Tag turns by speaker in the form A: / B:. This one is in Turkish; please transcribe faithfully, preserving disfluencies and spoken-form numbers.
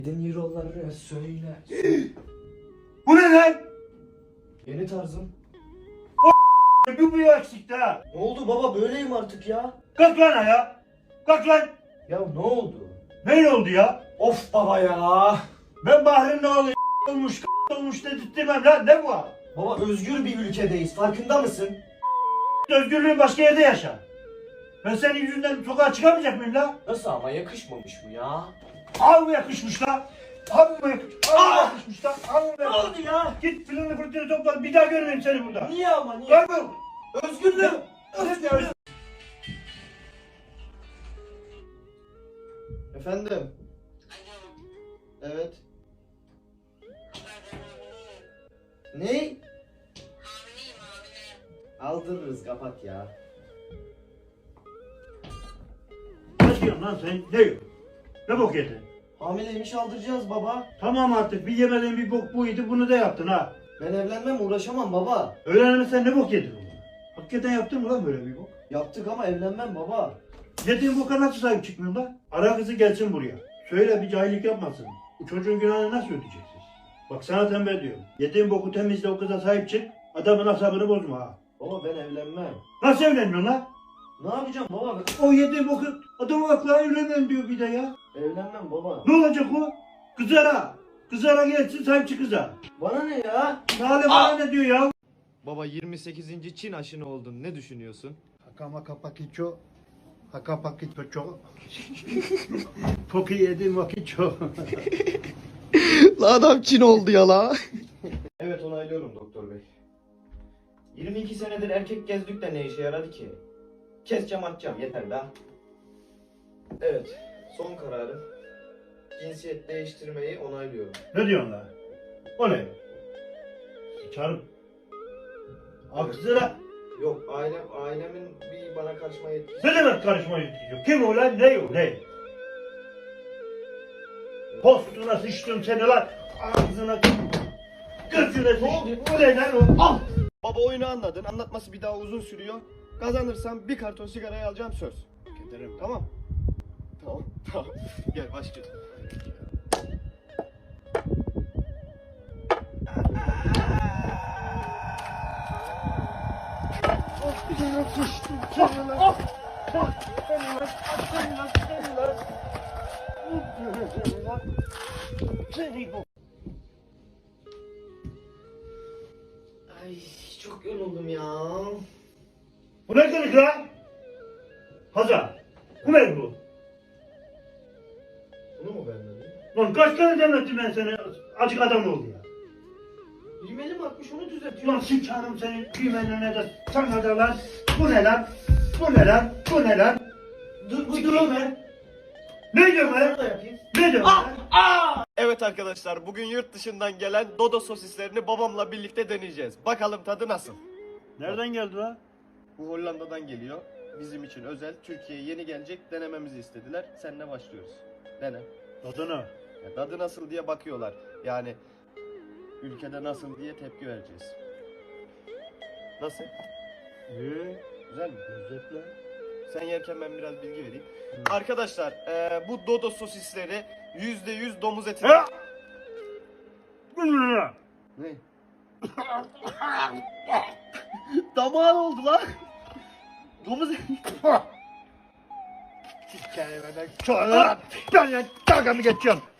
A: Yedin euroları söyle.
B: Bu ne lan?
A: Yeni tarzım.
B: Bu bir eksikti ha.
A: Ne oldu baba, böyleyim artık ya.
B: Kalk lan ayağa. Kalk lan.
A: Ya ne oldu?
B: Ne oldu ya?
A: Of baba ya.
B: Ben Bahri'nin oğlu olmuş olmuş dedirtmem lan, ne bu?
A: Baba özgür bir ülkedeyiz, farkında mısın?
B: Özgürlüğün başka yerde yaşa. Ben senin yüzünden sokağa çıkamayacak mıyım lan?
A: Nasıl ama, yakışmamış mı ya?
B: Al mı yakışmış lan? Al mı yakışmış? Al mı
A: Aa!
B: yakışmış lan? Al mı
A: Ne
B: yakışmış?
A: oldu ya?
B: Git filini fırtını topla, bir daha görmeyeyim seni burada.
A: Niye ama niye?
B: Kaybol.
A: Özgürlüğüm. Özgürlüğüm. Efendim? Evet. Ne? Aldırırız, kapat ya.
B: Ne diyorsun lan sen? Ne yiyorsun? Ne bok yedin?
A: Hamileymiş, aldıracağız baba.
B: Tamam artık, bir yemediğin bir bok buydu, bunu da yaptın ha.
A: Ben evlenmem, uğraşamam baba.
B: Öğrenemezsen ne bok yedin oğlum? Hakikaten yaptın mı lan böyle bir bok?
A: Yaptık ama evlenmem baba.
B: Yediğin boka nasıl sahip çıkmıyorsun lan? Ara kızı gelsin buraya. Söyle, bir cahillik yapmasın. Bu çocuğun günahını nasıl ödeyeceksiniz? Bak sana tembih diyorum. Yediğin boku temizle, o kıza sahip çık. Adamın asabını bozma ha.
A: Baba ben evlenmem.
B: Nasıl evlenmiyorsun lan?
A: Ne yapacağım baba?
B: O yediğin boku adamın aklı evlenmem diyor bir de ya.
A: Evlenmem baba.
B: Ne olacak o? Kızara. Kızara gelsin, sahip çık kıza.
A: Bana ne ya?
B: Nale bana ne diyor ya?
C: Baba yirmi sekizinci Çin aşını oldun. Ne düşünüyorsun?
B: Hakama kapakiço. Haka pakiço. Poki yediğim vakit çok.
C: La adam Çin oldu ya la.
A: Evet, onaylıyorum doktor bey. yirmi iki senedir erkek gezdik de ne işe yaradı ki? Keseceğim, atacağım, yeter daha. Evet, son kararım. Cinsiyet değiştirmeyi onaylıyorum.
B: Ne diyorsun lan? O ne? Sıçarım. Al kızına.
A: Yok, ailem, ailemin bir bana karışma yetkisi.
B: Ne demek karışma yetiyor? Kim o lan? Ne o? Ne? Postuna sıçtım seni lan. Ağzına gözüne sıçtım. O ne lan o? Al.
C: Baba oyunu anladın. Anlatması bir daha uzun sürüyor. Kazanırsam bir karton sigarayı alacağım, söz.
B: Giderim.
C: Tamam. Tamam. Tamam. Gel başlayalım.
B: Ağzına sıçtım seni lan. Seni lan. Seni lan. Seni lan. Seni lan. Seni bu.
A: Ay, çok yoruldum ya.
B: Bu ne demek lan? Hazar. Bu ne bu?
A: Bunu mu beğenmedin?
B: Lan kaç tane demlettim ben sana? Acık adam oldu ya.
A: Rimelim atmış, onu düzeltiyorum.
B: Ulan sıçarım senin düğmenine de sana da lan. Bu ne lan? Bu ne lan? Bu ne lan?
A: Dur, bu dur be.
B: Ne diyorsun
A: Bunu
B: lan?
A: da yapayım.
B: Ne diyorsun lan?
C: Evet arkadaşlar, bugün yurt dışından gelen Dodo sosislerini babamla birlikte deneyeceğiz. Bakalım tadı nasıl?
B: Nereden geldi lan?
C: Bu Hollanda'dan geliyor. Bizim için özel. Türkiye'ye yeni gelecek, denememizi istediler. Seninle başlıyoruz. Dene.
B: Tadına.
C: Ya tadı nasıl diye bakıyorlar. Yani ülkede nasıl diye tepki vereceğiz. Nasıl?
B: İyi.
C: Güzel mi?
B: Lezzetli.
C: Sen yerken ben biraz bilgi vereyim.
B: Hı.
C: Arkadaşlar eee, bu Dodo sosisleri yüzde yüz domuz eti.
B: Ha! Bu ne lan?
C: Ne? Damağın oldu lan. Domuz eti.
B: Kelimeden sonra ben ya dalga mı geçiyorum?